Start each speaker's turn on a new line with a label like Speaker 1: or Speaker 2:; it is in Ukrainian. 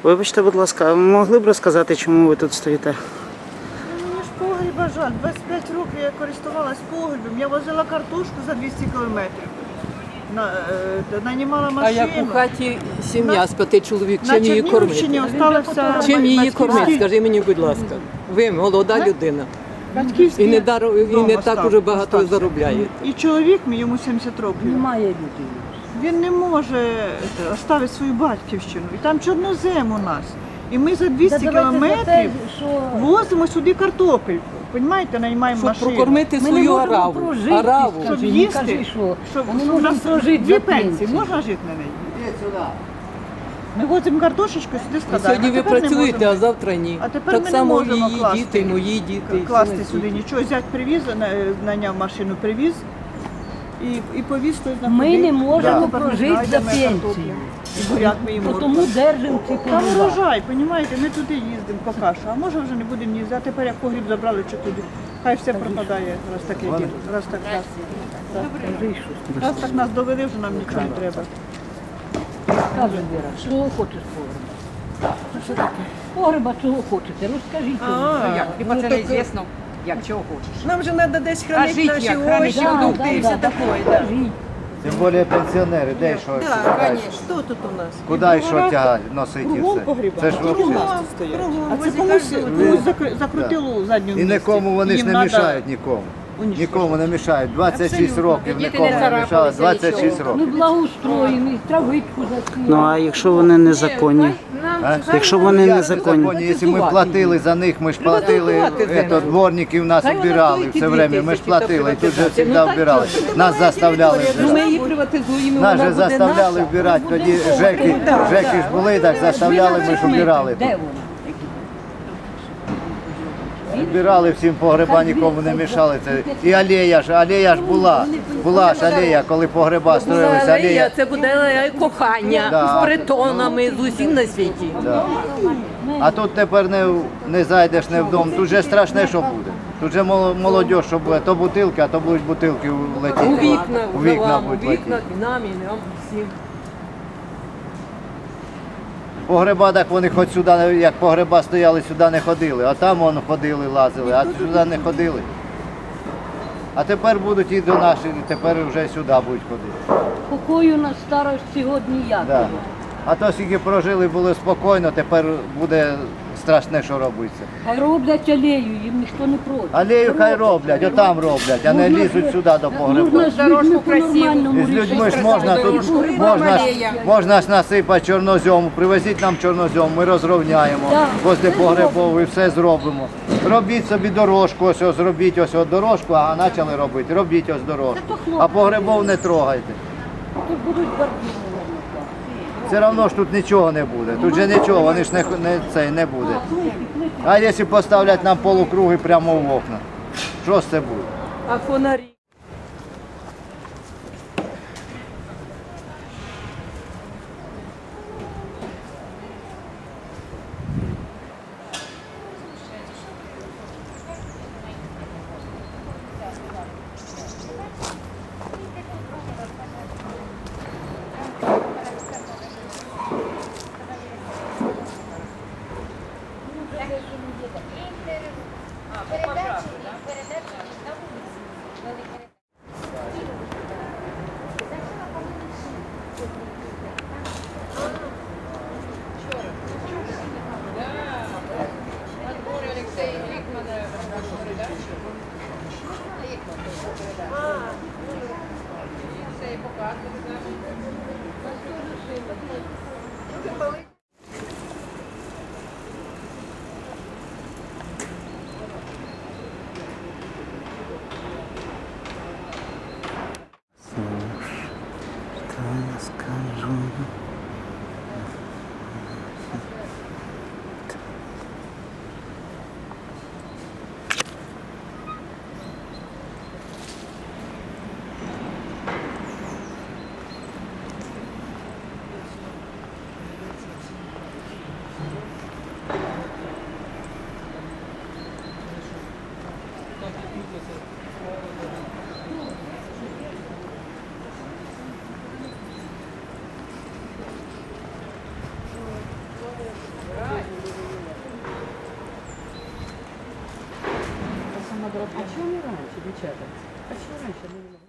Speaker 1: Вибачте, будь ласка, а ви могли б розказати, чому ви тут стоїте?
Speaker 2: Мені ж погріба жаль. 25 років я користувалась погрібом. Я возила картошку за 200 кілометрів. Нанімала машину.
Speaker 3: А як у хаті сім'я з 5 чоловік, чим її
Speaker 2: На
Speaker 3: кормити?
Speaker 2: Чернігівщині залишилася
Speaker 3: Чим її
Speaker 2: батьківський
Speaker 3: кормити?
Speaker 2: дім.
Speaker 3: Скажи мені, будь ласка. Ви молода людина.
Speaker 2: Батьківський
Speaker 3: І не
Speaker 2: дом
Speaker 3: так уже багато
Speaker 2: остався.
Speaker 3: заробляєте.
Speaker 2: І чоловік мій, йому 70 років.
Speaker 4: Немає людей.
Speaker 2: Він не може оставити свою батьківщину. І там чорнозем у нас. І ми за 200 кілометрів возимо сюди картопельку. Понімаєте, наймаємо
Speaker 3: Щоб
Speaker 2: машину.
Speaker 3: прокормити
Speaker 4: Ми не
Speaker 3: свою
Speaker 4: можемо
Speaker 3: араву.
Speaker 4: прожити,
Speaker 3: Араву.
Speaker 4: скажи,
Speaker 2: Щоб
Speaker 4: не
Speaker 2: їсти,
Speaker 4: кажи, що.
Speaker 2: щоб
Speaker 4: Ми не
Speaker 2: у нас
Speaker 4: можемо прожити
Speaker 2: дві
Speaker 4: за
Speaker 2: пенсії,
Speaker 4: пенсію.
Speaker 2: можна жити на неї? Ми возимо картошечку, сюди складаємо.
Speaker 3: Сьогодні
Speaker 2: А
Speaker 3: ви
Speaker 2: тепер не
Speaker 3: працюєте,
Speaker 2: можемо.
Speaker 3: а завтра ні.
Speaker 2: А тепер
Speaker 3: Так
Speaker 2: ми не
Speaker 3: само
Speaker 2: можемо
Speaker 3: її
Speaker 2: класти.
Speaker 3: діти, мої діти. і всі
Speaker 2: Класти
Speaker 3: на
Speaker 2: сюди
Speaker 3: світі.
Speaker 2: нічого. Зять привіз, наняв машину, привіз і повіз той на
Speaker 4: Ми не можемо
Speaker 2: Да.
Speaker 4: прожити за
Speaker 2: Знайдемо
Speaker 4: пенсію.
Speaker 2: картоплю. І буряк ми їмо.
Speaker 4: Тому держимо ці
Speaker 2: Там
Speaker 4: погреба.
Speaker 2: урожай, розумієте, ми туди їздимо по кашу, а може вже не будемо їздити. А тепер як погріб забрали, що туди. Хай все пропадає, раз таке діло. Раз так нас. Раз так нас довели, вже нам нічого не треба.
Speaker 4: Каже Віра, що хочеш погреба? Погреба чого хочете? Розкажіть.
Speaker 5: Як? Хіба це не звісно, як чого хочеш.
Speaker 2: Нам же треба десь
Speaker 5: А
Speaker 2: хранити
Speaker 5: жити
Speaker 2: наші
Speaker 5: як? Хранити
Speaker 2: овочі,
Speaker 4: Да,
Speaker 2: продукти
Speaker 4: да,
Speaker 2: і
Speaker 4: да,
Speaker 2: все
Speaker 4: да,
Speaker 2: таке.
Speaker 4: розкажіть.
Speaker 6: Тим більше пенсіонери, де що
Speaker 2: Так,
Speaker 6: шукають?
Speaker 2: звісно. Хто тут у нас?
Speaker 6: Куди і що тягати, носити і
Speaker 2: Кругом
Speaker 6: все?
Speaker 2: погріба.
Speaker 6: Це ж взагалі.
Speaker 2: А це комусь закрутило задню
Speaker 6: І
Speaker 2: місці.
Speaker 6: нікому вони ж
Speaker 2: Їм
Speaker 6: не
Speaker 2: надо
Speaker 6: мішають нікому.
Speaker 2: уничтожити.
Speaker 6: Нікому не мішають. 26
Speaker 2: Абсолютно.
Speaker 6: років
Speaker 5: Діти
Speaker 6: нікому
Speaker 5: не
Speaker 6: не
Speaker 5: царапалися,
Speaker 6: мішали. 26
Speaker 5: нічого.
Speaker 4: Ми
Speaker 6: років.
Speaker 4: благоустроєні, травичку засіяли.
Speaker 1: Ну а якщо вони незаконні?
Speaker 6: А?
Speaker 1: Якщо вони
Speaker 6: Як
Speaker 1: незаконні?
Speaker 6: законні? Якщо ми платили за них, ми ж платили,
Speaker 3: Приватизувати землю.
Speaker 6: дворників нас
Speaker 3: Хай вона
Speaker 6: вбирали
Speaker 3: стоїть
Speaker 6: все
Speaker 3: і
Speaker 6: время,
Speaker 3: 2
Speaker 6: ми ж
Speaker 3: тисячі, та
Speaker 6: платили, і тут же
Speaker 3: приватизація.
Speaker 6: завжди
Speaker 3: Ну, так
Speaker 6: вбирали.
Speaker 3: що?
Speaker 6: Нас заставляли
Speaker 3: Ну, ми
Speaker 6: вбирати.
Speaker 3: її приватизуємо,
Speaker 6: Нас
Speaker 3: вона
Speaker 6: же
Speaker 3: буде
Speaker 6: заставляли
Speaker 3: наша.
Speaker 6: вбирати, тоді жеки ж були, так заставляли, ми ж вбирали.
Speaker 4: Де вона?
Speaker 6: Вбирали всім погреба, нікому не мішали. Це. І алея ж була ж алея, коли погреба строїлися, алея.
Speaker 3: Це буде алея кохання
Speaker 6: Да.
Speaker 3: з притонами, з усім на світі.
Speaker 6: Да. А тут тепер не зайдеш не вдома, тут же страшне, що буде. Тут же молодь, що буде, то бутилки, а то будуть бутилки летіти.
Speaker 3: У вікна,
Speaker 6: У вікна
Speaker 3: у
Speaker 6: будуть
Speaker 3: вікна,
Speaker 6: летіти.
Speaker 3: і нам, і нам всім.
Speaker 6: Погреба, так вони хоч сюди, як погреба стояли, сюди не ходили, а там вон ходили, лазили, а сюди не ходили. А тепер будуть і до наших, і тепер вже сюди будуть ходити.
Speaker 4: Покою на старості год ніякого.
Speaker 6: Да. А то скільки прожили, було спокійно, тепер буде страшне, що робиться.
Speaker 4: Хай роблять алею, їм ніхто не проти.
Speaker 6: Алею хай роблять, отам роблять, а не лізуть сюди до погреба.
Speaker 4: Можна з людьми по-нормальному
Speaker 6: І з людьми ж
Speaker 4: рішити.
Speaker 6: можна тут можна ж насипати чорнозьому, привезіть нам чорнозьом, ми розровняємо,
Speaker 4: Так.
Speaker 6: возле погребову і все зробимо. Робіть собі дорожку, ось зробіть ось дорожку, а почали робити. Робіть ось дорожку.
Speaker 4: Це то хлопці.
Speaker 6: А погребов не трогайте.
Speaker 4: Тут будуть бордіни.
Speaker 6: Все одно ж тут нічого не буде. Тут же нічого, вони ж не буде. А якщо поставлять нам полукруги прямо в окна, що з це буде?
Speaker 3: А фонарі?
Speaker 1: Скажу.
Speaker 3: А чому не раніше, дівчата? А чому раніше не було?